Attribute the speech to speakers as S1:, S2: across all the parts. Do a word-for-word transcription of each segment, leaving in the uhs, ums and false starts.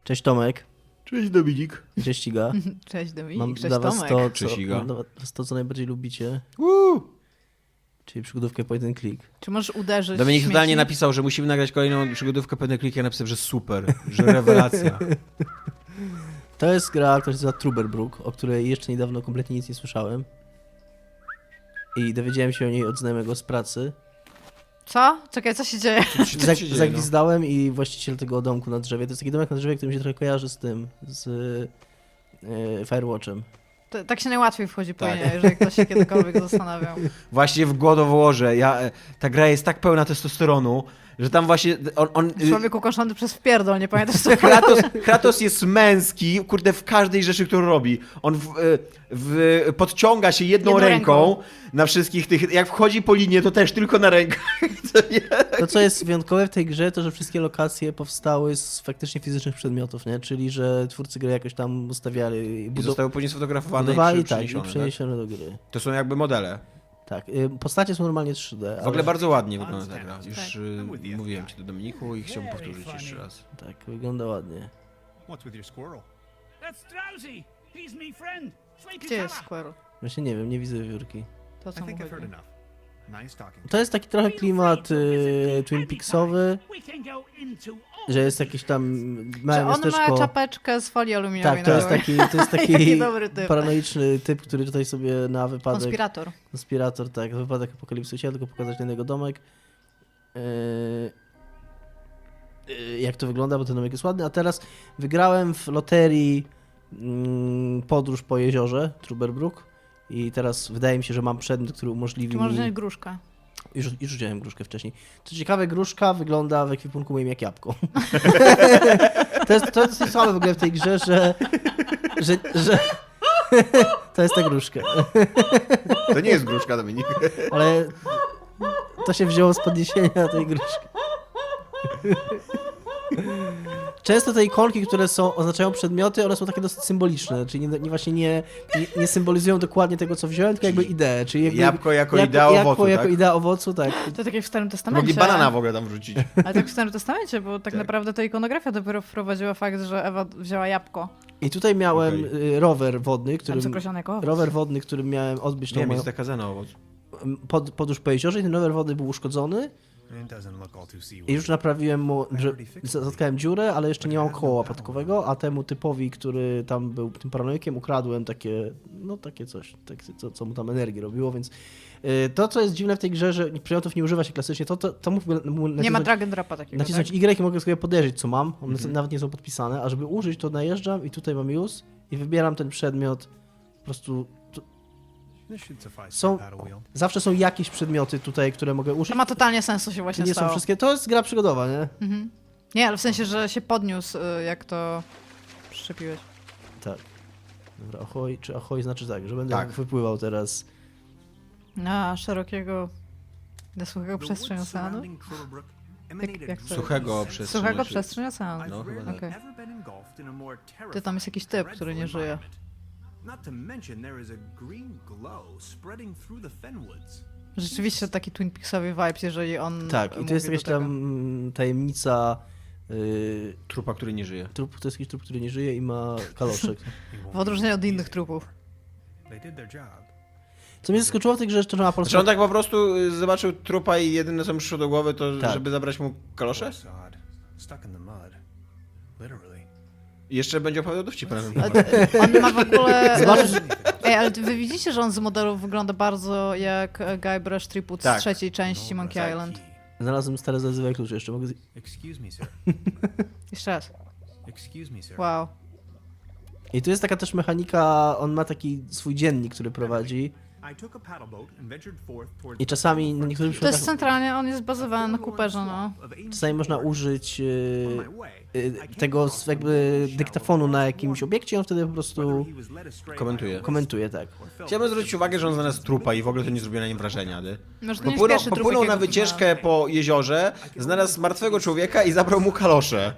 S1: Cześć Tomek.
S2: Cześć Dominik.
S1: Cześć Iga.
S3: Cześć Dominik,
S1: Mam
S3: cześć
S1: dla was
S3: Tomek.
S1: to, co,
S2: Cześć, Iga.
S1: mam dla was to, co najbardziej lubicie,
S2: Woo!
S1: czyli przygodówkę point and click.
S3: Czy możesz uderzyć
S2: Dominik
S3: śmieci?
S2: totalnie napisał, że musimy nagrać kolejną przygodówkę pewny klik. Ja napisałem, że super, że rewelacja.
S1: To jest gra, która się nazywa Truberbrook, o której jeszcze niedawno kompletnie nic nie słyszałem. I dowiedziałem się o niej od znajomego z pracy.
S3: Co? Czekaj, co się dzieje?
S2: Co się
S1: Zag-
S2: dzieje, no?
S1: zagwizdałem i właściciel tego domku na drzewie, to jest taki domek na drzewie, który mi się trochę kojarzy z tym, z e, Firewatchem.
S3: To, tak się najłatwiej wchodzi po
S2: Tak.
S3: nie, jeżeli ktoś się kiedykolwiek zastanawiał.
S2: Właśnie w głodoworze. Ja, e, ta gra jest tak pełna testosteronu, że tam właśnie on... on y,
S3: Człowiek ukoszony przez wpierdol, nie pamiętasz co
S2: Kratos, Kratos jest męski, kurde, w każdej rzeczy, którą robi. On w, w, podciąga się jedną,
S3: Jedną
S2: ręką,
S3: ręką.
S2: na wszystkich tych... Jak wchodzi po linię, to też tylko na rękach. To nie?
S1: To, co jest wyjątkowe w tej grze, to że wszystkie lokacje powstały z faktycznie fizycznych przedmiotów, nie? Czyli, że twórcy gry jakoś tam ustawiali,
S2: I
S1: budu-
S2: zostały później sfotografowane
S1: budowali
S2: i
S1: tak, i
S2: przeniesione, tak?
S1: przeniesione do gry.
S2: To są jakby modele.
S1: Tak, y, postacie są normalnie trzy D.
S2: W ogóle
S1: ale-
S2: bardzo ładnie wygląda ta gra. Już
S3: Tak.
S2: y, mówiłem ci to, Dominiku, i chciałbym powtórzyć jeszcze raz.
S1: Tak, wygląda ładnie.
S4: What's with your squirrel?
S5: That's Drowsy. He's me friend. Sleepy
S3: Gdzie jest
S5: fella.
S3: Squirrel?
S1: Właśnie nie wiem, nie widzę wiewiórki.
S3: To
S4: I
S3: co mu
S4: think I've heard
S3: chodzi?
S4: enough. Nice talking.
S1: To jest taki trochę klimat y, Twin Peaksowy,
S5: We can go into all
S1: że jest jakieś tam
S3: Czy
S1: małe
S3: on ma
S1: miasteczko.
S3: czapeczkę z folii aluminiowej
S1: Tak, to
S3: na
S1: jest
S3: głowie?
S1: taki, to jest taki
S3: Jaki dobry typ.
S1: paranoiczny typ, który tutaj sobie na wypadek...
S3: Konspirator.
S1: Konspirator, tak, na wypadek apokalipsy chciałem tylko pokazać ten jego domek. Yy, yy, jak to wygląda, bo ten domek jest ładny. A teraz wygrałem w loterii mm, podróż po jeziorze Truberbrook i teraz wydaje mi się, że mam przedmiot, który umożliwi
S3: Czy może
S1: mi...
S3: wziąć gruszkę?
S1: Już, już wziąłem gruszkę wcześniej. Co ciekawe, gruszka wygląda w ekwipunku moim jak jabłko. to, jest, to jest słabe w ogóle w tej grze, że... że, że to jest ta gruszka.
S2: To nie jest gruszka, Dominik.
S1: Ale to się wzięło z podniesienia tej gruszki. Często te ikonki, które są, oznaczają przedmioty, one są takie dosyć symboliczne, czyli nie, nie właśnie nie, nie, nie symbolizują dokładnie tego, co wziąłem, tylko jakby ideę. Czyli jakby,
S2: Jabłko jako
S1: jabłko-
S2: idea
S1: jabłko
S2: owocu,
S1: jako
S2: tak?
S1: idea owocu, tak.
S3: To tak jak w Starym Testamencie.
S2: Mogli banana w ogóle tam wrzucić.
S3: Ale tak w Starym Testamencie, bo tak,
S2: Tak.
S3: naprawdę to ikonografia dopiero wprowadziła fakt, że Ewa wzięła jabłko.
S1: I tutaj miałem
S2: Okej.
S1: y, rower wodny,
S3: Tam
S1: którym,
S3: co określone jako owoc.
S1: rower wodny, którym miałem odbyć tą
S2: Nie,
S1: moją
S2: jest zakazana owoc.
S1: pod, podróż po jeziorze i ten rower wodny był uszkodzony
S4: It doesn't look all too seaworthy.
S1: i już naprawiłem mu, że zatkałem dziurę, ale jeszcze nie mam koła łapatkowego, a temu typowi, który tam był tym paranoikiem, ukradłem takie, no takie coś, takie, co, co mu tam energię robiło, więc y, to, co jest dziwne w tej grze, że przedmiotów nie używa się klasycznie, to, to, to mógł mu
S3: Nie ma
S1: nacisnąć,
S3: drag and dropa takiego,
S1: nacisnąć
S3: tak?
S1: Y i mogę sobie podejrzeć, co mam, one
S2: Mhm.
S1: nawet nie są podpisane, a żeby użyć, to najeżdżam i tutaj mam use i wybieram ten przedmiot, po prostu to,
S4: This should suffice
S1: Są-
S4: for a paddle wheel.
S1: zawsze są jakieś przedmioty tutaj, które mogę użyć.
S3: To ma totalnie sens, co się właśnie
S1: Nie
S3: stało.
S1: są wszystkie, to jest gra przygodowa, nie?
S3: Mhm. Nie, ale w sensie, że się podniósł, y, jak to przyczepiłeś.
S1: Tak. Dobra, ahoj, czy ahoj znaczy tak, że będę
S2: Tak.
S1: wypływał teraz.
S3: Na szerokiego, na suchego
S4: The
S3: przestrzeń
S4: woods
S3: oceanu?
S4: surrounding Truberbrook emanated
S3: jak to-
S2: Suchego
S4: sense-
S2: przestrzeń.
S3: Suchego
S2: znaczy-
S3: przestrzeń oceanu.
S4: I've
S2: No, chyba
S4: rarely
S3: tak.
S4: ever been engulfed in a more
S3: Ty, tam jest jakiś typ, który nie
S4: dreadful
S3: żyje.
S4: environment. Not to mention there is a green glow spreading through the fenwoods.
S3: Rzeczywiście taki Twin Peaksowy vibes, jeżeli on
S1: Tak, i
S3: mówi
S1: tu jest
S3: do
S1: jakaś
S3: tego.
S1: tam mm, tajemnica. Yy,
S2: Trupa, który nie żyje.
S1: trup, to jest jakiś trup, który nie żyje i ma kaloszek.
S3: W odróżnieniu od innych trupów.
S4: They did their job.
S1: Co mnie zaskoczyło w tej grze, że to ma po
S2: Znaczy
S1: prostu.
S2: on tak po prostu y, zobaczył trupa i jedyne co mu przyszło do głowy to,
S1: Tak.
S2: żeby zabrać mu kalosze?
S4: Poor sod. Stuck in the mud. Literally.
S2: I jeszcze będzie opowiadał dowcip na ten
S3: Ale
S2: temat.
S3: to- On ma w ogóle...
S1: Zobaczysz-
S3: Ej, ale wy widzicie, że on z modelu wygląda bardzo jak e, Guybrush Threepwood
S2: Tak.
S3: z trzeciej części Monkey
S4: Tak.
S3: Island.
S1: Znalazłem stare zazywa klucze, jeszcze mogę. Z...
S4: Excuse me, sir.
S3: Jeszcze raz.
S4: Excuse me, sir.
S3: Wow.
S1: I tu jest taka też mechanika, on ma taki swój dziennik, który prowadzi.
S4: I took a paddle boat and ventured forth towards
S1: I czasami na niektórych
S3: To jest
S1: przypadkach
S3: centralnie, on jest bazowany na Cooperze, no.
S1: czasami można użyć yy, yy, tego z- jakby dyktafonu na jakimś obiekcie, i on wtedy po prostu
S2: Komentuje.
S1: komentuje, tak.
S2: Chciałbym zwrócić uwagę, że on znalazł trupa i w ogóle to nie zrobiło na nim wrażenia. Nie?
S3: Może to nie jest
S2: Popłynął,
S3: pierwszy trup,
S2: popłynął na
S3: jakiego
S2: wycieczkę po jeziorze, znalazł martwego człowieka i zabrał mu kalosze.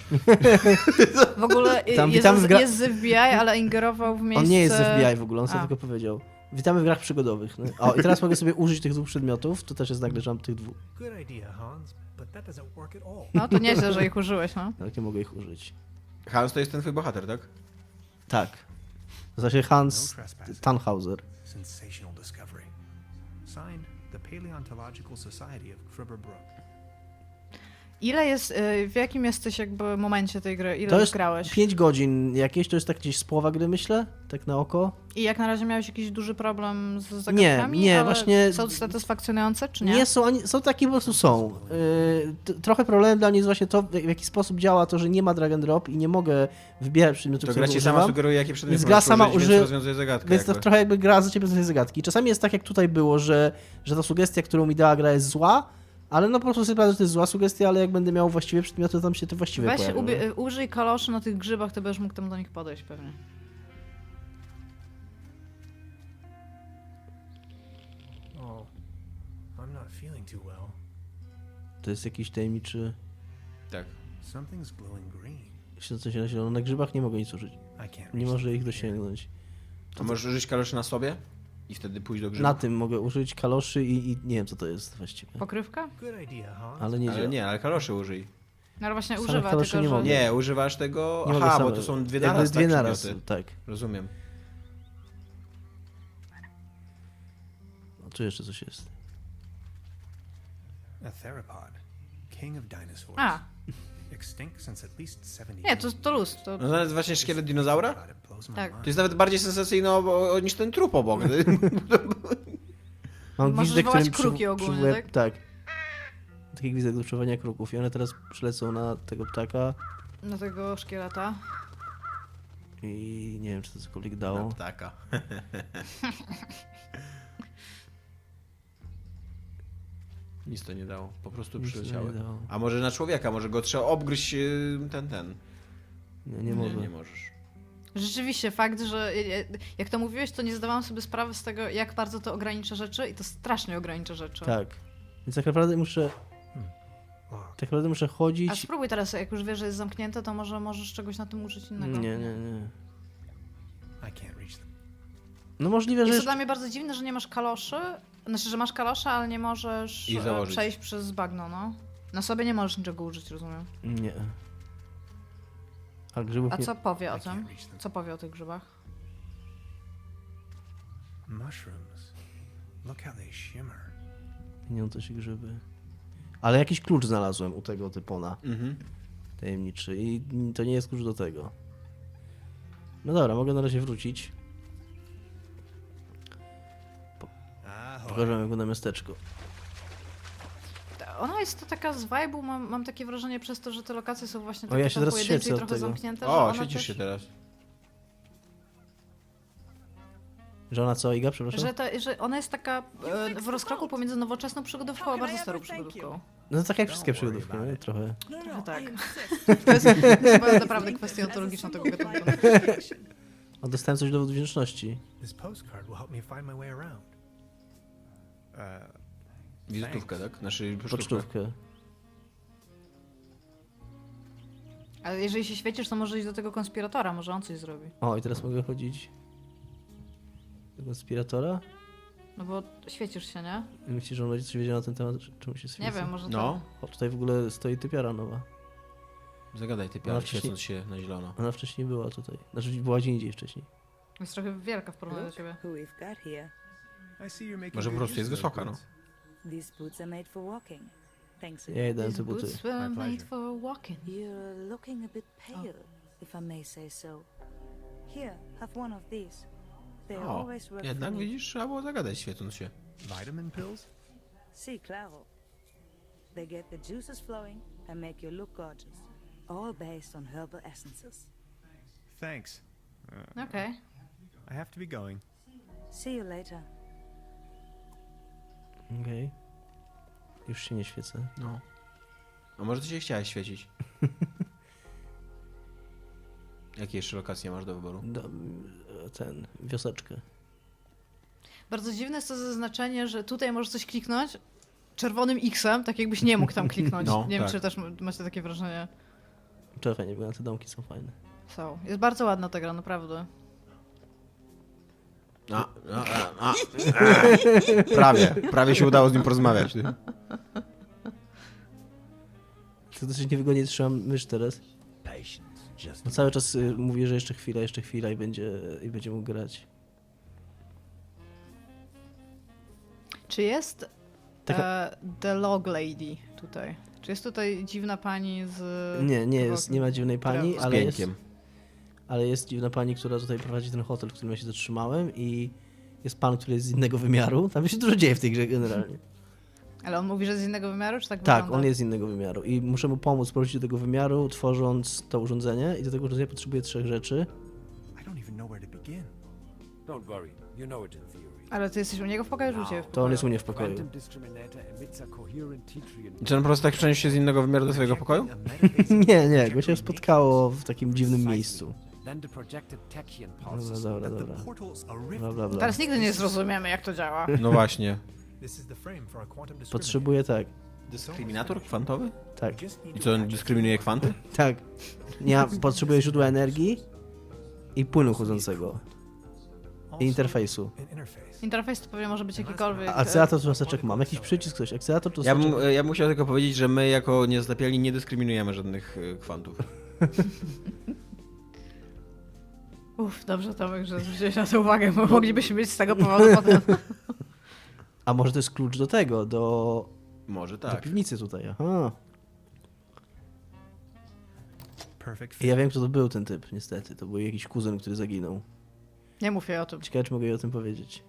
S3: W ogóle y,
S1: Tam
S3: jest,
S1: witamy w gra-
S3: jest z F B I, ale ingerował w miejsce...
S1: On nie jest z F B I w ogóle, on sobie
S3: A.
S1: tylko powiedział. Witamy w grach przygodowych. No. O, i teraz mogę sobie użyć tych dwóch przedmiotów, to też jest nagle, że mam tych dwóch.
S4: Good idea, Hans, but that doesn't work at all.
S3: No to nieźle, że ich użyłeś, no.
S1: Jak nie mogę ich użyć?
S2: Hans to jest ten twój bohater, tak?
S1: Tak. Nazywa się Hans
S4: No trespassing.
S1: Tannhauser.
S4: Sensational discovery. Signed, the Paleontological Society of Cribberbrook.
S3: Ile jest, y, w jakim jesteś jakby momencie tej gry? Ile
S1: To
S3: już
S1: jest
S3: grałeś?
S1: pięć godzin jakieś, to jest tak gdzieś z połowa gry, myślę, tak na oko.
S3: I jak na razie miałeś jakiś duży problem z zagadkami?
S1: nie,
S3: ale
S1: właśnie-
S3: Są satysfakcjonujące, czy nie?
S1: Nie, są, ani, są takie po prostu są. Yy, t- trochę problemem dla mnie jest właśnie to, w jaki sposób działa to, że nie ma drag and drop i nie mogę wybierać przedmiotów,
S2: To
S1: które
S2: gra ci sama
S1: używam.
S2: sugeruje, jakie przedmioty
S1: Więc gra
S2: możesz
S1: sama
S2: użyć,
S1: uży-
S2: więc rozwiązuje zagadkę.
S1: Więc to
S2: jakby.
S1: trochę jakby gra za ciebie z tej zagadki. Czasami jest tak, jak tutaj było, że, że ta sugestia, którą mi dała gra, jest zła, ale no po prostu sobie sprawdzę, że to jest zła sugestia, ale jak będę miał właściwie przedmioty, to tam się to właściwie
S3: Weź
S1: pojawią.
S3: ubie-
S1: nie?
S3: y, użyj kaloszy na tych grzybach, to będziesz mógł tam do nich podejść pewnie.
S4: Oh, I'm not feeling too well.
S1: To jest jakiś tajemniczy...
S2: Tak.
S4: Something's glowing green.
S1: Coś na zielono. Na grzybach nie mogę nic użyć.
S4: I can't
S1: Nie
S4: reach
S1: może
S4: them
S1: ich
S4: from here.
S1: dosięgnąć.
S2: To możesz użyć kaloszy na sobie i wtedy pójść do grzybu.
S1: Na tym mogę użyć kaloszy i, i nie wiem, co to jest właściwie.
S3: Pokrywka?
S4: Good idea, Hans.
S1: Ale nie
S2: Ale
S1: działa.
S2: nie, ale kaloszy użyj.
S3: No ale właśnie
S1: Same
S3: używa,
S1: kaloszy
S3: tylko
S1: nie
S3: że...
S1: mogę.
S2: Nie, używasz tego...
S1: Nie mogę
S2: Aha, bo
S1: same-
S2: to są dwie
S1: jakby
S2: naraz,
S1: dwie
S2: tak,
S1: naraz,
S2: przedmioty.
S1: tak.
S2: Rozumiem.
S1: No, tu jeszcze coś jest.
S4: A theropod. King of dinosaurs.
S3: A,
S4: Extinct since at least seventy
S3: nie, to, to luz. To...
S2: No to jest właśnie szkielet dinozaura?
S4: God, it blows my
S3: Tak.
S4: mind.
S2: To jest nawet bardziej sensacyjne o, o, niż ten trup obok.
S1: Mam
S3: Możesz
S1: gwizdek,
S3: wołać
S1: którym
S3: kruki ogólnie,
S1: przywołuję-
S3: tak?
S1: Tak. Taki gwizdek do czuwania kruków i one teraz przylecą na tego ptaka
S3: Do tego szkieleta.
S1: i nie wiem, czy to cokolwiek
S2: Na
S1: dało.
S2: ptaka. Nic to nie dało, po prostu
S1: Nic to
S2: przyleciały.
S1: nie dało.
S2: A może na człowieka, może go trzeba obgryźć y, ten, ten.
S1: Nie, nie mogę.
S2: Nie, nie możesz.
S3: Rzeczywiście, fakt, że jak to mówiłeś, to nie zdawałam sobie sprawy z tego, jak bardzo to ogranicza rzeczy i to strasznie ogranicza rzeczy.
S1: Tak. Więc tak naprawdę muszę,
S4: Locked.
S1: tak naprawdę muszę
S3: A
S1: chodzić.
S3: spróbuj teraz, jak już wiesz, że jest zamknięte, to może możesz czegoś na tym użyć innego.
S1: Nie, nie, nie.
S4: I can't reach them.
S1: No możliwe, że
S3: Jest to
S1: jeszcze...
S3: dla mnie bardzo dziwne, że nie masz kaloszy. Znaczy, że masz kalosze, ale nie możesz
S2: I
S3: e,
S2: założyć.
S3: przejść przez bagno, no. Na sobie nie możesz niczego użyć, rozumiem.
S1: Nie. A grzybów
S3: A
S1: nie...
S3: co powie o
S4: I
S3: tym?
S4: can't reach them.
S3: Co powie o tych grzybach?
S4: Mushrooms. Look how they shimmer.
S1: Nie wiem, to się grzyby. Ale jakiś klucz znalazłem u tego typona.
S2: Mhm.
S1: Tajemniczy. I to nie jest klucz do tego. No dobra, mogę na razie wrócić.
S4: Ahoy.
S1: Pokażę wam, jak wygląda miasteczko.
S3: Ona jest to taka z vibe'u, mam, mam takie wrażenie przez to, że te lokacje są właśnie
S1: O,
S3: takie
S1: ja się
S3: tam
S1: teraz
S3: pojedyncze
S1: świecę
S3: i
S1: od
S3: trochę
S1: tego.
S3: zamknięte, że
S2: O,
S3: ona
S2: świecisz
S3: też,
S2: się teraz.
S1: Że ona co, Iga, przepraszam?
S3: że, ta, że ona jest taka e, w rozkroku pomiędzy nowoczesną przygodówką a bardzo starą przygodówką.
S1: No to tak jak wszystkie
S4: Don't worry
S1: przygodówki,
S4: about
S1: nie?
S4: it.
S1: Trochę.
S3: Trochę tak. To jest, to jest chyba naprawdę kwestia ontologiczna tego gatunku.
S1: O, dostałem coś do wdzięczności.
S4: This postcard will help me find my way around. Uh,
S2: Wizytówkę, tak? Znaczy pocztówkę.
S1: Pocztówkę.
S3: Ale jeżeli się świecisz, to może iść do tego konspiratora, może on coś zrobi.
S1: O, i teraz mogę chodzić do konspiratora.
S3: No bo świecisz się, nie?
S1: I myślisz, że on będzie coś wiedział na ten temat, czemu się świeci?
S3: Nie wiem, może to...
S2: No,
S1: O, tutaj w ogóle stoi typiara nowa.
S2: zagadaj ty
S1: Ona
S2: piar,
S1: wcześniej-
S2: świecąc się na zielono.
S1: Ona wcześniej była tutaj. Znaczy była gdzie indziej wcześniej.
S3: Jest trochę wielka w porównaniu do ciebie.
S6: Who we've got here.
S4: I see you're making
S2: Może po
S4: good
S2: prostu jest
S4: use of
S2: wysoka, no.
S4: those
S6: These boots are made for walking. Thanks
S1: Ja
S6: again.
S1: jedę na
S3: These
S1: te buty.
S3: boots were
S4: My
S3: made
S4: pleasure.
S3: for walking.
S6: You're looking a bit pale, if I may say so. Here, have one of these. They
S2: O,
S6: always work
S2: jednak
S6: for me.
S2: widzisz, trzeba było zagadać świecąc się.
S4: goods. Vitamin pills?
S6: See, claro. They get the juices flowing and make you look gorgeous. All based on herbal essences.
S4: Thanks.
S3: Okej.
S4: I have to be going.
S6: See you later.
S1: Okej. Już się nie świecę.
S2: No. A może ty się chciałeś świecić? Jakie jeszcze lokacje masz do wyboru?
S1: Do, ten, wioseczkę.
S3: Bardzo dziwne jest to zaznaczenie, że tutaj możesz coś kliknąć czerwonym X-em, tak jakbyś nie mógł tam kliknąć.
S2: No,
S3: nie wiem,
S2: tak.
S3: czy też m- macie takie wrażenie.
S1: Czekaj, fajnie wygląda, te domki są fajne.
S3: Są. Jest bardzo ładna ta gra, naprawdę.
S2: A, a, a, a. Prawie, prawie się udało z nim porozmawiać. Ty.
S1: To dosyć niewygodnie trzymam mysz teraz.
S7: Just
S1: Bo cały czas y, mówi, że jeszcze chwila, jeszcze chwila i będzie, i będzie mógł grać.
S3: Czy jest
S1: Taka-
S3: e, The Log Lady tutaj? Czy jest tutaj dziwna pani z...
S1: Nie, nie jest, nie ma dziwnej pani,
S3: Która-
S2: Z
S1: ale jest,
S2: piękiem.
S1: ale jest dziwna pani, która tutaj prowadzi ten hotel, w którym ja się zatrzymałem i jest pan, który jest z innego wymiaru. Tam się dużo dzieje w tej grze generalnie.
S3: Ale on mówi, że z innego wymiaru, czy tak
S1: Tak,
S3: wygląda?
S1: on jest z innego wymiaru i muszę mu pomóc powrócić do tego wymiaru, tworząc to urządzenie i do tego urządzenia potrzebuję trzech rzeczy.
S4: I don't even know where to begin.
S7: don't worry. You know it in theory.
S3: Ale ty jesteś u niego w pokoju, czy u ciebie w
S1: To on jest u mnie w pokoju.
S7: Quantum discriminator emits a coherent T-tree
S2: Czy on po prostu tak przeniósł się z innego wymiaru do swojego pokoju?
S4: A metaphasic
S1: Nie, nie, go się
S4: trajectory
S1: spotkało w takim dziwnym miejscu.
S7: Then the projected tachyon
S1: Dobra,
S7: pulses.
S1: dobra,
S4: that
S1: dobra.
S4: the portal's a rift.
S1: Bla, bla, bla.
S3: Teraz nigdy nie zrozumiemy, jak to działa.
S2: No właśnie.
S4: This is the frame for a quantum discriminator.
S1: Potrzebuję tak,
S2: Dyskryminator kwantowy?
S1: tak,
S4: Just need
S2: I co, on dyskryminuje kwanty?
S1: tak. Ja potrzebuję źródła energii i płynu chłodzącego i interfejsu.
S4: an interface.
S3: Interfejs to pewnie może być jakikolwiek...
S1: A akcelerator cząsteczek mam. Jakiś przycisk, coś. Akcelerator
S2: Ja
S1: cząsteczek.
S2: bym, ja bym musiał tylko powiedzieć, że my jako niezlepiali nie dyskryminujemy żadnych y, kwantów.
S3: Uff, dobrze Tomek, że zwróciłeś na to uwagę, bo moglibyśmy mieć z tego powodu potem...
S1: A może to jest klucz do tego, do,
S2: Może
S1: do
S2: tak.
S1: piwnicy tutaj. Aha.
S4: Perfect
S1: I
S4: fit.
S1: ja wiem, kto to był ten typ, niestety. To był jakiś kuzyn, który zaginął.
S3: Nie mów jej o tym.
S1: Ciekawe, czy mogę jej o tym powiedzieć.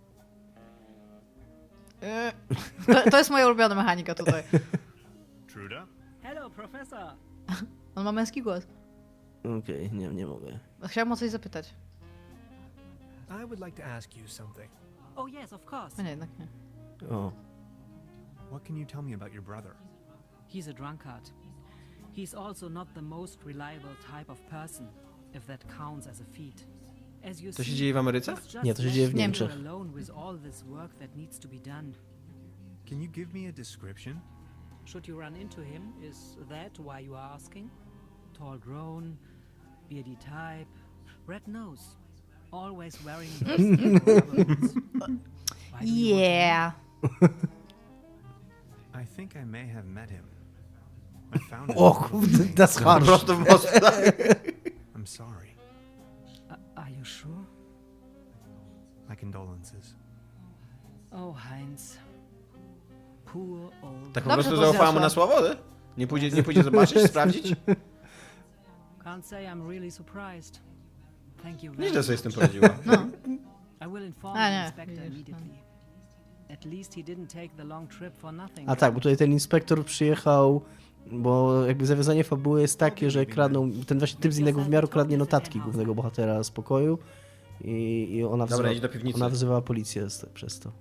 S3: E, To, to jest moja ulubiona mechanika tutaj.
S4: Truda?
S5: Hello, Professor.
S3: On ma męski głos.
S1: Okej, nie, nie mogę.
S3: Chciałam o coś zapytać.
S4: I would like to ask you something.
S5: Oh, yes, of course.
S3: A nie, jednak nie.
S1: O,
S4: What can you tell me about your brother?
S5: He's a drunkard. He's also not the most reliable type of person, if that counts as a feat. As you
S2: To się
S5: see,
S2: dzieje w Ameryce?
S5: he's just
S1: Nie, to się dzieje w
S5: left
S1: Niemczech.
S5: alone with all this work that needs to be done.
S4: Can you give me a description?
S5: Should you run into him, is that why you are asking? Tall grown, beardy type, red nose, always wearing those rubber boots. Why do you want to know?
S4: I think I may have met him. I found him.
S1: o kurde, that's
S2: Po
S1: harsh.
S2: prostu w most.
S4: I'm sorry.
S5: Uh, are you sure?
S4: My condolences.
S5: Oh, Heinz. Poor old.
S2: Tak po
S3: Dobrze
S2: prostu
S3: to
S2: zaufała mu
S3: zniosła.
S2: na słowo, nie? Nie pójdzie, nie pójdzie zobaczyć, sprawdzić?
S5: Can't say I'm really surprised. Thank you very
S2: Nieźle sobie
S5: much.
S2: z tym poradziła.
S5: I will inform
S3: A,
S5: the
S3: nie,
S5: inspector
S3: widzisz,
S5: immediately. At least he didn't take the long trip for nothing.
S1: A tak, bo tutaj ten inspektor przyjechał, bo jakby zawiązanie fabuły jest takie, że kradną, ten właśnie typ z innego wymiaru kradnie notatki głównego bohatera z pokoju i, i ona,
S2: Dobra,
S1: wzywa,
S2: idź do piwnicy.
S1: ona wzywała policję z, przez to.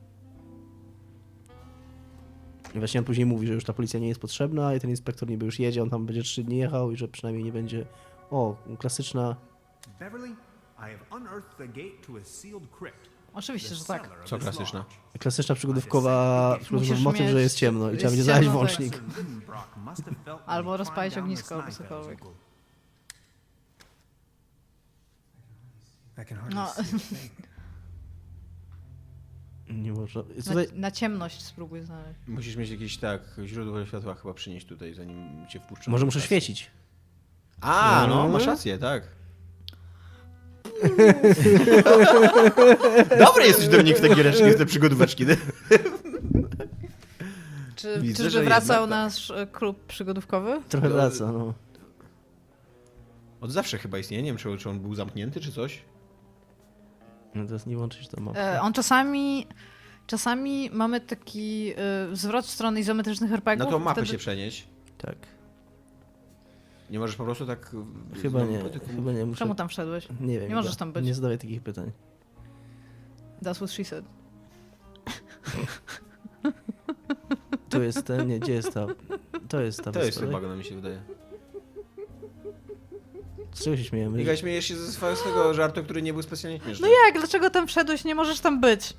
S1: I właśnie on później mówi, że już ta policja nie jest potrzebna i ten inspektor niby już jedzie, on tam będzie trzy dni jechał i że przynajmniej nie będzie... O, klasyczna...
S4: Beverly, I have unearthed the gate to a sealed crypt.
S3: Oczywiście,
S4: The
S3: że tak.
S4: cellar of
S2: Co
S4: this
S2: klasyczna?
S4: lodge.
S1: Klasyczna przygodówkowa, przygodówkowy
S3: Musisz
S1: motyw,
S3: mieć-
S1: że jest ciemno i trzeba
S3: jest
S1: będzie znaleźć
S3: ciemno, tak.
S1: włącznik.
S4: Professor Lidenbrock must have felt when
S3: Albo
S4: he
S3: rozpalić
S4: climbed down
S3: ognisko,
S4: the
S3: albo
S4: Snide
S3: cokolwiek.
S4: Valley. I can hardly
S3: No.
S4: see a thing.
S1: Nie można...
S3: Na,
S1: Tutaj...
S3: na ciemność spróbuj znaleźć.
S2: Musisz mieć jakieś, tak, źródło światła chyba przynieść tutaj, zanim cię wpuszczą.
S1: Może muszę świecić.
S2: A, no,
S1: No.
S2: masz rację, tak. Dobry jesteś, Dominik, w te giereczki, w te przygodóweczki.
S3: Czy,
S2: Widzę,
S3: czyżby
S2: że
S3: wracał
S2: jednak tak.
S3: nasz e, klub przygodówkowy?
S1: Trochę
S2: No,
S1: wraca, no.
S2: Od zawsze chyba istnieje, nie wiem, czy, czy on był zamknięty, czy coś.
S1: No teraz nie łączyć to mapę.
S3: E, on czasami... Czasami mamy taki e, zwrot w stronę izometrycznych er pe gie ów.
S2: Na tą mapę
S3: wtedy-
S2: się przenieść.
S1: Tak.
S2: Nie możesz po prostu tak...
S1: Chyba
S2: znowu
S1: nie,
S2: po tych-
S1: chyba nie muszę...
S3: Czemu tam wszedłeś?
S1: Nie wiem.
S3: Nie możesz
S1: chyba.
S3: tam być.
S1: Nie zadawaj takich pytań.
S3: That's what she said.
S1: Tu jest ten, nie, gdzie jest ta... To jest ta
S2: To jest
S1: wyspa,
S2: chyba, no mi się wydaje.
S1: tak? Z czego się śmiejemy?
S2: Miga, śmiejesz się ze swojego żartu, który nie był specjalnie śmieszny.
S3: No jak? Dlaczego tam wszedłeś? Nie możesz tam być.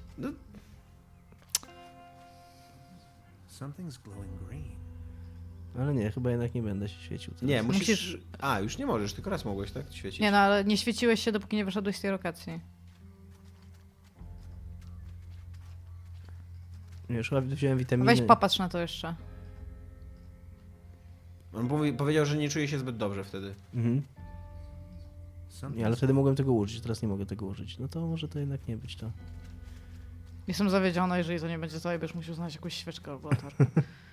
S4: Something's glowing green.
S1: Ale nie, chyba jednak nie będę się świecił teraz.
S2: Nie, musisz...
S3: Musisz-
S2: A, już nie możesz, tylko raz mogłeś, tak? Świecić.
S3: Nie no, ale nie świeciłeś się, dopóki nie wyszedłeś z tej lokacji.
S1: Nie, już chyba wziąłem witaminy.
S3: Weź popatrz na to jeszcze.
S2: On powie- powiedział, że nie czuje się zbyt dobrze wtedy.
S1: Mhm. Nie, ale wtedy mogłem tego użyć, teraz nie mogę tego użyć. No to może to jednak nie być to.
S3: Jestem zawiedziona, jeżeli to nie będzie to, będziesz musiał znaleźć jakąś świeczkę albo latarkę.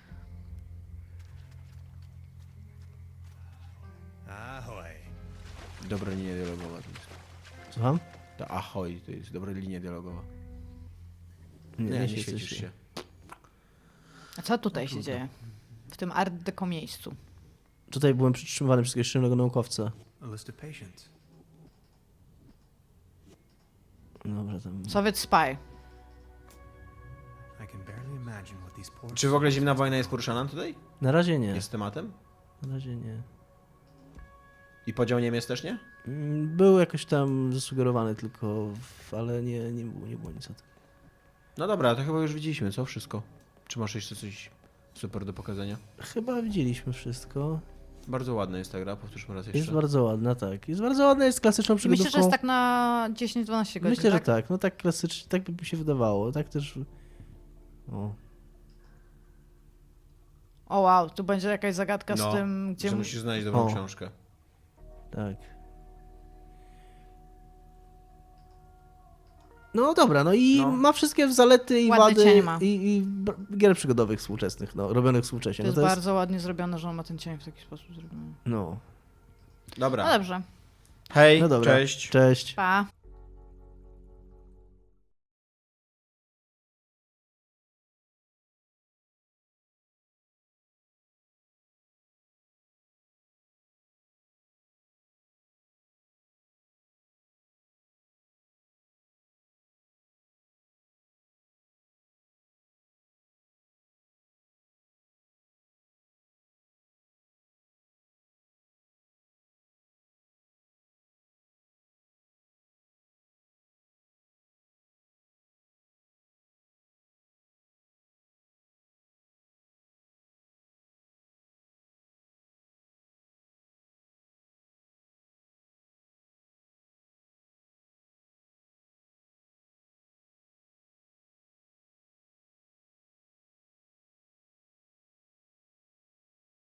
S4: Ahoy.
S2: Dobra linia dialogowa. To jest.
S1: Słucham?
S2: Ta ahoj, to jest dobra linia dialogowa.
S1: Nie,
S2: Nie,
S1: nie,
S2: nie
S1: się
S2: świecisz
S1: coś-
S2: się.
S3: A co tutaj się dzieje? W tym art deco miejscu.
S1: Tutaj byłem przytrzymywany przez jakiegoś szalonego naukowca.
S4: A list of patients.
S1: Dobra, tam...
S3: Soviet Spy.
S4: I can barely imagine what these poor
S2: Czy w ogóle zimna wojna jest poruszana tutaj?
S1: Na razie nie.
S2: Jest tematem?
S1: Na razie nie.
S2: I podział Niemiec też nie?
S1: Mm, Był jakoś tam zasugerowany tylko, w- ale nie, nie, było, nie było nic o tym.
S2: No dobra, to chyba już widzieliśmy, co? Wszystko. Czy masz jeszcze coś super do pokazania?
S1: Chyba widzieliśmy wszystko.
S2: Bardzo ładna jest ta gra, powtórzmy raz jeszcze.
S1: Jest bardzo ładna, tak. Jest bardzo ładna, jest klasyczną
S3: I
S1: przygodówką.
S3: myślę, że jest tak na dziesięć dwanaście godzin,
S1: Myślę,
S3: tak?
S1: że tak. No tak klasycznie, tak by mi się wydawało. Tak też... O.
S3: O wow, tu będzie jakaś zagadka
S2: No,
S3: z tym, gdzie...
S2: że
S3: mu-
S2: musisz znaleźć dobrą
S1: O.
S2: książkę.
S1: Tak. No dobra, no i
S2: No.
S1: ma wszystkie zalety i
S3: Ładne
S1: wady
S3: cienie ma.
S1: i, i b- gier przygodowych współczesnych, no, robionych współcześnie.
S3: To jest
S1: no,
S3: bardzo ładnie zrobione, że on ma ten cień w taki sposób zrobiony.
S1: No.
S2: Dobra.
S3: No dobrze,
S2: Hej,
S1: No dobra.
S2: cześć.
S1: Cześć.
S3: pa.